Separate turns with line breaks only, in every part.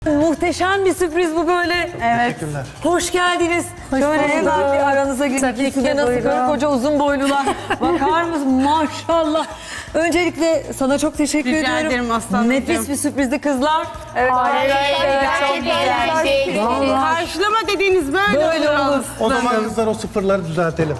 Muhteşem bir sürpriz bu böyle. Evet.
Teşekkürler.
Hoş geldiniz. Şöyle hemen bir aranıza girin. İkide nasıl karı koca uzun boylular. Bakar mısın? Maşallah. Öncelikle sana çok teşekkür
Rica
ediyorum.
ederim aslanım.
Nefis bir sürprizdi kızlar. Evet.
Çok güzel.
Vallahi.
Karşılama dediğiniz böyle olur.
O zaman kızlar o sıfırları düzeltelim.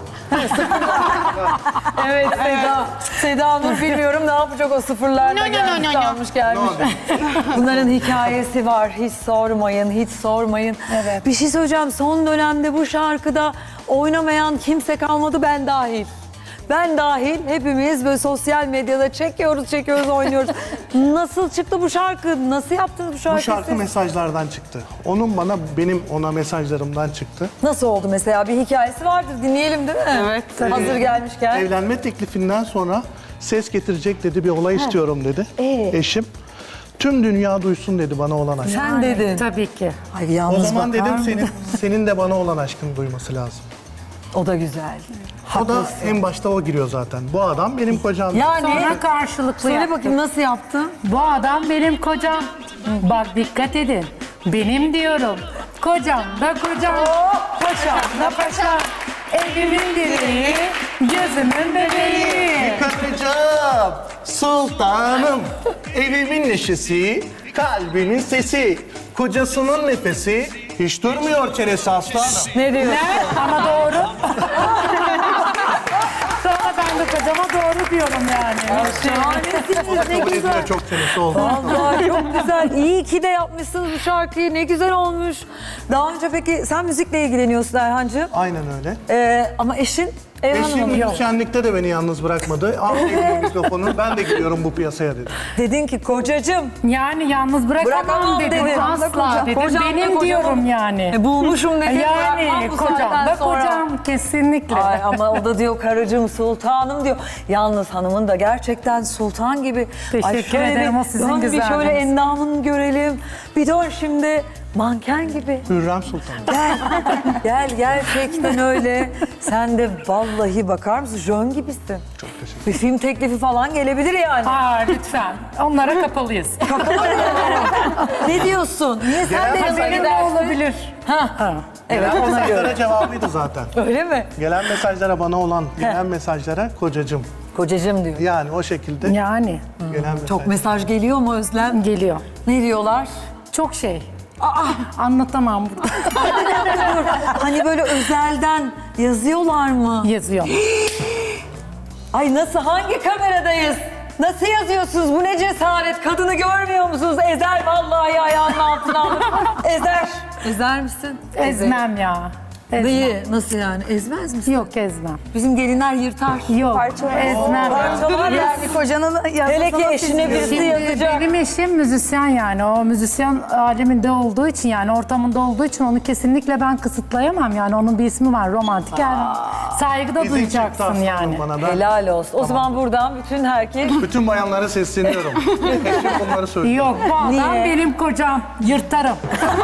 Evet Seda. Seda Nur bilmiyorum ne yapacak o sıfırlarda gelmiş kalmış gelmiş. Bunların hikayesi var. Hiç sormayın, hiç sormayın. Evet. Bir şey söyleyeceğim. Son dönemde bu şarkıda oynamayan kimse kalmadı, ben dahil. Ben dahil hepimiz böyle sosyal medyada çekiyoruz, oynuyoruz. Nasıl çıktı bu şarkı? Nasıl yaptınız bu şarkıyı?
Bu şarkı
siz?
mesajlardan çıktı. Onun bana, benim ona mesajlarımdan çıktı.
Nasıl oldu mesela? Bir hikayesi vardır. Dinleyelim değil mi?
Evet.
Hazır gelmişken.
Evlenme teklifinden sonra ses getirecek dedi, bir olay istiyorum dedi. Eşim. Tüm dünya duysun dedi bana olan aşkı.
Sen dedin.
Tabii ki.
Ay
O
yalnız
zaman
bakar
dedim
mısın?
senin de bana olan aşkını duyması lazım.
O da güzel.
O da en başta o giriyor zaten. Bu adam benim kocam.
Yani
Sonra karşılıklı
söyle
yaptık.
bakayım nasıl yaptın?
Bu adam benim kocam. Bak dikkat edin. Benim diyorum. Kocam da kocam. Paşam da paşam. Evimin direği, gözümün bebeği.
Karıcığım, sultanım, evimin neşesi, kalbimin sesi, kocasının nefesi, hiç durmuyor çenesi aslanım.
Ne diyorsun?
Ne? Ama doğru. Sonra ben de kocama doğru diyorum yani.
Şahanesiniz, ne
Kabul
güzel.
ediyor, çok çenesi oldu.
Vallahi çok güzel. İyi ki de yapmışsınız bu şarkıyı. Ne güzel olmuş. Daha önce peki sen müzikle ilgileniyorsun Erhancığım.
Aynen öyle.
Ama eşin Erhan
Eşim
Hanım.
müzisyenlikte de beni yalnız bırakmadı. Al elime mikrofonu, ben de giriyorum bu piyasaya dedi.
Dedin ki kocacığım.
Yani yalnız bırakamam
Bırakamam
dedim.
dedin.
Asla dedim.
Kocam da
Benim
kocam.
diyorum yani.
Bulmuşum dedin.
Yani
bırakmam bu
kocam
saatten
da
sonra.
kocam kesinlikle.
Ay ama o da diyor karıcığım sultanım diyor. Yalnız hanımın da gerçekten sultan gibi.
Teşekkür ederim, o sizin
dön bir şöyle
güzelliğiniz.
endamını görelim. Bir dön şimdi manken gibi.
Hürrem Sultan.
Gel gerçekten öyle. Sen de vallahi bakar mısın jön gibisin.
Çok teşekkür
Bir film teklifi falan gelebilir yani.
Aa lütfen. Onlara kapalıyız.
Ne diyorsun? Niye sen de
Gelen
yanına
Benim de
gidersin?
olabilir.
Evet
Gelen
ona göre.
mesajlara cevabıydı zaten.
Öyle mi?
Gelen mesajlara bana olan, gelen mesajlara kocacığım.
Kocacığım diyor.
Yani o şekilde
Yani
gelen mesaj.
Çok mesaj geliyor mu Özlem?
geliyor.
Ne diyorlar?
Çok şey. Anlatamam burada.
Hani böyle özelden yazıyorlar mı?
Yazıyor.
Ay nasıl, hangi kameradayız? Nasıl yazıyorsunuz? Bu ne cesaret? Kadını görmüyor musunuz? Ezer vallahi ayağının altına alır. Ezer. Ezer misin?
Ezmem ya. Ezmem.
Dayı nasıl yani? Ezmez misin?
Yok ezmem.
Bizim gelinler yırtar.
Yok ezmem.
Parçalar yani kocanın hele ki eşine birisi
Şimdi
yazacak.
benim eşim müzisyen yani. O müzisyen aleminde olduğu için yani ortamında olduğu için onu kesinlikle ben kısıtlayamam yani. Onun bir ismi var romantik yani. Saygıda
İzin çıktı
duyacaksın
aslanım
yani.
bana. Ben
Helal olsun. O zaman buradan bütün herkes
bütün bayanlara sesleniyorum. Eşim bunları söylüyor.
Yok bu adam
Niye?
benim kocam. Yırtarım.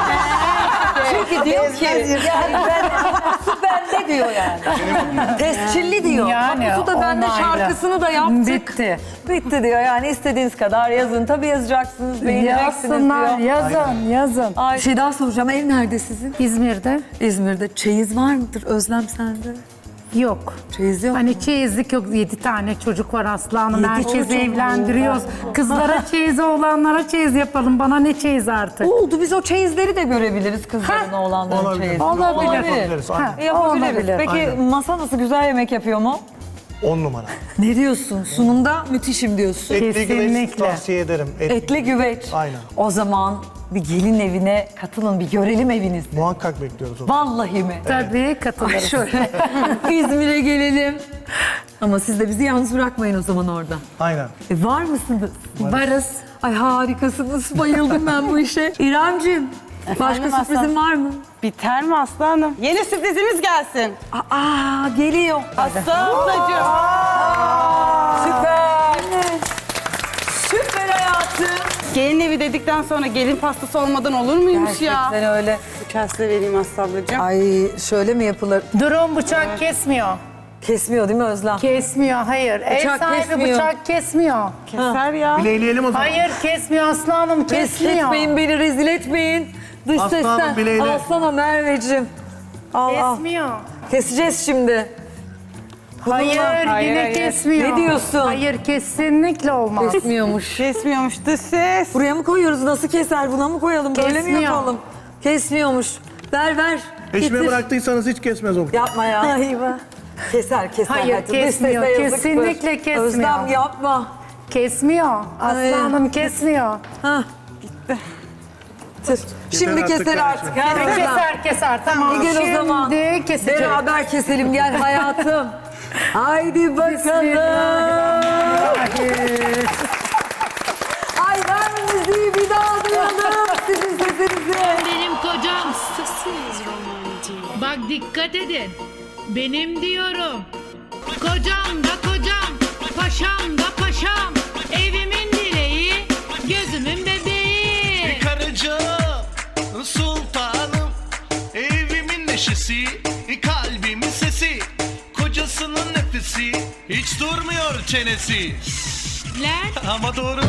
çünkü diyor ki yani su bende diyor yani. Tescilli diyor.
Yani,
Tapusu da bende,
onayla.
şarkısını da yaptık.
Bitti.
Bitti diyor yani, istediğiniz kadar yazın. Tabii yazacaksınız, beğeneceksiniz
Yazsınlar,
diyor.
yazın.
Ay, bir şey daha soracağım. Ev nerede sizin?
İzmir'de
İzmir'de. Çeyiz var mıdır Özlem sende?
yok.
Çeyiz yok.
Hani çeyizlik yok. 7 tane çocuk var Aslı Hanım.
7
Herkesi
çocuk.
evlendiriyoruz. Kızlara çeyiz, oğlanlara çeyiz yapalım. Bana ne çeyiz artık?
Oldu, biz o çeyizleri de görebiliriz, kızların oğlanların
Olabilir.
çeyizi.
Olabilir.
Yapabiliriz, aynen.
Yapabiliriz.
Olabilir.
Peki
Aynen.
masa nasıl, güzel yemek yapıyor mu?
10 numara.
Ne diyorsun? Sunumda müthişim diyorsun.
Etli güveç
Kesinlikle.
tavsiye ederim.
Etli güveç.
Aynen.
O zaman bir gelin evine katılın, bir görelim evinizi.
Muhakkak bekliyoruz onu.
Vallahi mi?
Tabii katılırız.
Şöyle İzmir'e gelelim. Ama siz de bizi yalnız bırakmayın o zaman orada.
Aynen.
Var mısınız?
Varız.
Ay harikasınız. Bayıldım ben bu işe. İremciğim, başka
Efendim
sürprizin var mı?
Biter mi aslanım? Yeni sürprizimiz gelsin.
Aa, geliyor.
Aslı ablacığım.
Süper. Süper hayatım.
Gelin evi dedikten sonra gelin pastası olmadan olur muymuş ya?
Gerçekten öyle.
Bu kaslı vereyim Aslı ablacığım.
Ay şöyle mi yapılır?
Durum bıçak kesmiyor.
Kesmiyor değil mi Özlem?
Kesmiyor, hayır. Ev
Bıçak
sahibi
kesmiyor.
bıçak kesmiyor.
Keser ya.
Bileyleyelim o zaman.
Hayır kesmiyor Aslı Hanım, kesmiyor.
Kesmeyin beni, rezil etmeyin. Dış
Aslanım,
sesten.
bileğine.
Alsana Merveciğim. Al al.
Kesmiyor.
Keseceğiz şimdi.
Hayır, yine
hayır.
kesmiyor.
Ne diyorsun?
Hayır, kesinlikle olmaz.
Kesmiyormuş.
Kesmiyormuş dış ses.
Buraya mı koyuyoruz? Nasıl keser? Buna mı koyalım? Böyle mi
Kesmiyor.
yapalım? Kesmiyormuş. Ver.
Eşime
Getir.
bıraktıysanız hiç kesmez o.
Yapma ya. Keser.
Hayır,
Hadi. Dış
kesmiyor.
sese yazıktır.
Kesinlikle kesmiyor.
Özlem yapma.
Kesmiyor.
Ay.
Aslı Hanım kesmiyor.
Ha. Gitti. Şimdi
artık
keser artık.
kardeşim.
Gel Özlem.
Keser. Tamam.
Gel o zaman.
Şimdi kesecek.
Beraber keselim gel hayatım. Haydi bakalım. Ay ver müziği bir daha duyalım sizin sesinizi.
Benim kocam. Bak dikkat edin. Benim diyorum. Kocam da kocam. Paşam da paşam. Evimin direği. Gözümün bebeği.
Karıcığım, sultanım, evimin neşesi, kalbimin sesi, kocasının nefesi, hiç durmuyor çenesi.
Lan.
Ama doğru.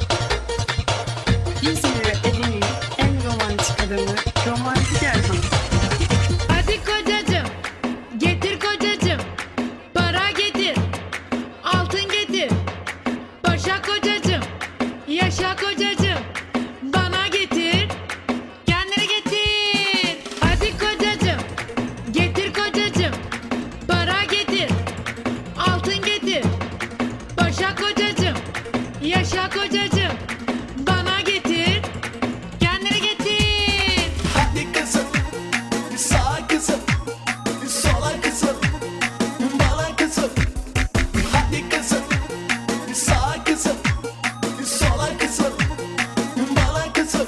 İzmir'e evinin en romantik adamı, romantik Erhan.
Hadi kocacığım. Getir kocacığım. Para getir. Altın getir. Paşa kocacığım. Yaşa kocacığım. Bana getir. Kendine getir. Hadi kocacığım. Getir kocacığım. Para getir. Altın getir. Paşa kocacığım. Yaşa kocacığım. Bana getir. Kendine getir.
Hadi kızım, sağa kızım, sola kızım, bana kızım. Hadi kızım, sağa kızım, sola kızım, bana kızım.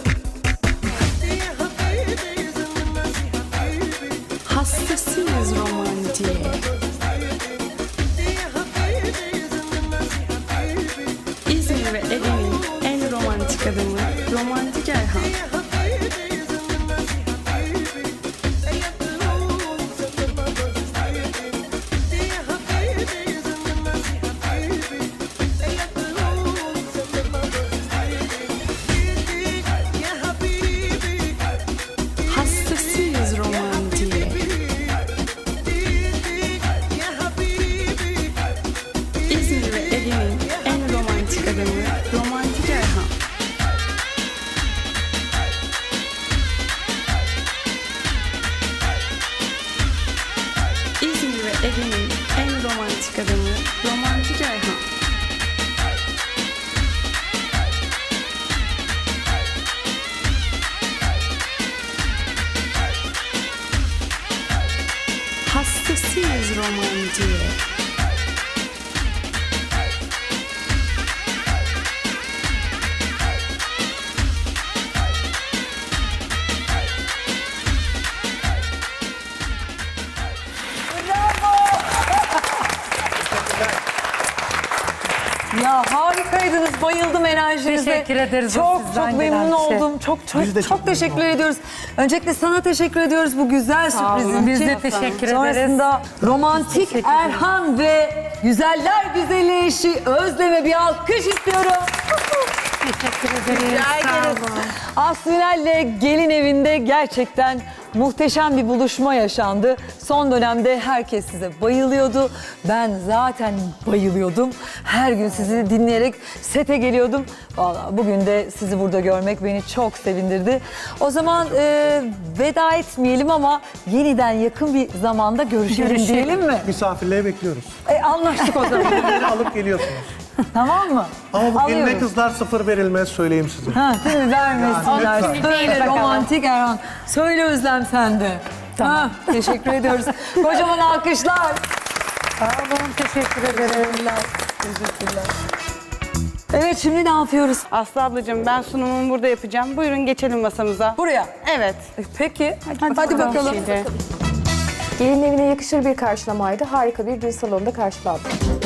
Hastasıyız romantiğe. İzmir ve Ege'nin en romantik adamı, romantik Erhan. Hastasıyız romantiğe. İzmir ve Ege'nin en romantik adamı, romantik Erhan. İzmir ve Ege'nin en romantik adamı, romantik Erhan. Hastasıyız romantiğe.
Ya harikaydınız. Bayıldım enerjinize.
Teşekkür ederiz o
Çok
sizden
çok
gelen
memnun
şey.
oldum. Çok
Biz de
çok
çok
teşekkür
memnun
ediyoruz. Öncelikle sana teşekkür ediyoruz bu güzel sürprizin
Biz
için.
de teşekkür ederiz.
Sonrasında romantik
Teşekkür ederiz.
Erhan ve güzeller güzeli eşi Özlem'e bir alkış istiyorum.
Teşekkür ederiz.
Rica
Sağ
ederiz.
olun.
Aslı Ünal'le gelin evinde gerçekten muhteşem bir buluşma yaşandı. Son dönemde herkes size bayılıyordu. Ben zaten bayılıyordum. Her gün sizi dinleyerek sete geliyordum. Vallahi bugün de sizi burada görmek beni çok sevindirdi. O zaman veda etmeyelim ama yeniden yakın bir zamanda görüşelim diyelim mi?
Misafirliğe bekliyoruz.
Anlaştık o zaman.
Beni alıp geliyorsunuz.
Tamam mı?
Ama bu geline
Alıyoruz.
kızlar sıfır verilmez söyleyeyim size.
Ha, değil mi? Vermesinler.
Yani,
Söyle
bakalım.
romantik Erhan. Söyle Özlem sen de.
Tamam.
Ha, teşekkür ediyoruz. Kocaman alkışlar.
Sağ olun, teşekkür ederim.
Evet, şimdi ne yapıyoruz?
Aslı ablacığım ben sunumumu burada yapacağım. Buyurun geçelim masamıza.
Buraya.
Evet.
Peki. Hadi bakalım.
Şimdi.
Gelin evine yakışır bir karşılamaydı. Harika bir düğün salonunda karşılandı.